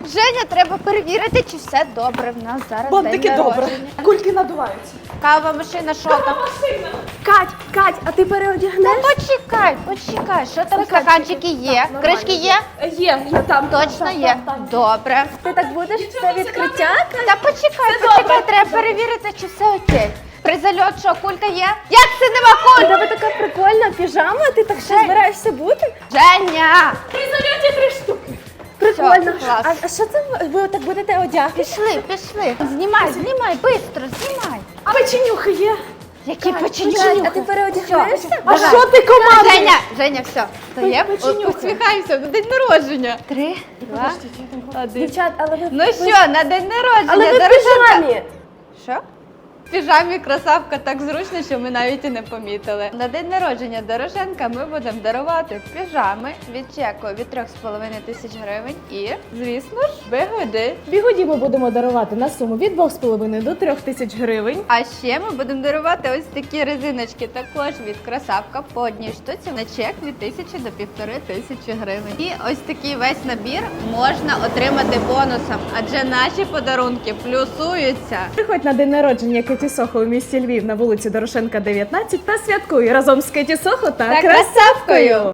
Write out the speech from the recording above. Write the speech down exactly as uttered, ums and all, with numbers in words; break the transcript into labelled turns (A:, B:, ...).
A: Женя, треба перевірити, чи все добре в нас зараз.
B: Бантики
A: день
B: добре.
A: народження.
B: Кульки надуваються.
A: Кава машина, що там?
C: Кать, Кать, а ти переодягнеш?
A: Ну почекай, почекай, що там
C: Стаканчики.
A: стаканчики є?
C: Так,
A: Кришки є?
B: Є, є там.
A: Точно є. Добре.
C: Ти так будеш все відкриття?
A: Та почекай, почекай, треба перевірити, чи все окей. При зальот, що, кулька є? Як це нема
C: У
A: куль?
C: тебе така прикольна піжама, ти так ще
A: Жень.
C: збираєшся бути?
A: Женя!
B: При зальоті три штуки.
C: Прикольно.
A: клас.
C: А, а що це ви, ви так будете одягати?
A: Пішли, пішли. Знімай, знімай, швидко, знімай.
B: А печенюхи є?
A: Які
C: Кать,
A: печенюхи?
C: а ти переодягнешся?
B: А
A: Давай.
B: що ти, команда?
A: Женя, Женя, все. Стоїмо,
B: печенюхи.
A: посміхаємося на день народження. Три, два, один.
C: Дівчат, але ви...
A: Ну
C: ви-
A: що, на день народження,
C: Але ви в
A: Дорошенка.
C: піжамі.
A: Що? В піжамі красавка так зручно, що ми навіть і не помітили. На день народження Дорошенка ми будемо дарувати піжами від чеку від трьох з половиною тисяч гривень і, звісно ж, бигуди.
B: Бігуді ми будемо дарувати на суму від двох з половиною до трьох тисяч гривень.
A: А ще ми будемо дарувати ось такі резиночки також від красавка по одній штуці на чек від тисячі до півтори тисячі гривень. І ось такий весь набір можна отримати бонусом, адже наші подарунки плюсуються.
B: Приходь на день народження Кеті Сохо у місті Львів на вулиці Дорошенка, дев'ятнадцять та святкуй разом з Кеті Сохо та
A: Та
B: красавкою.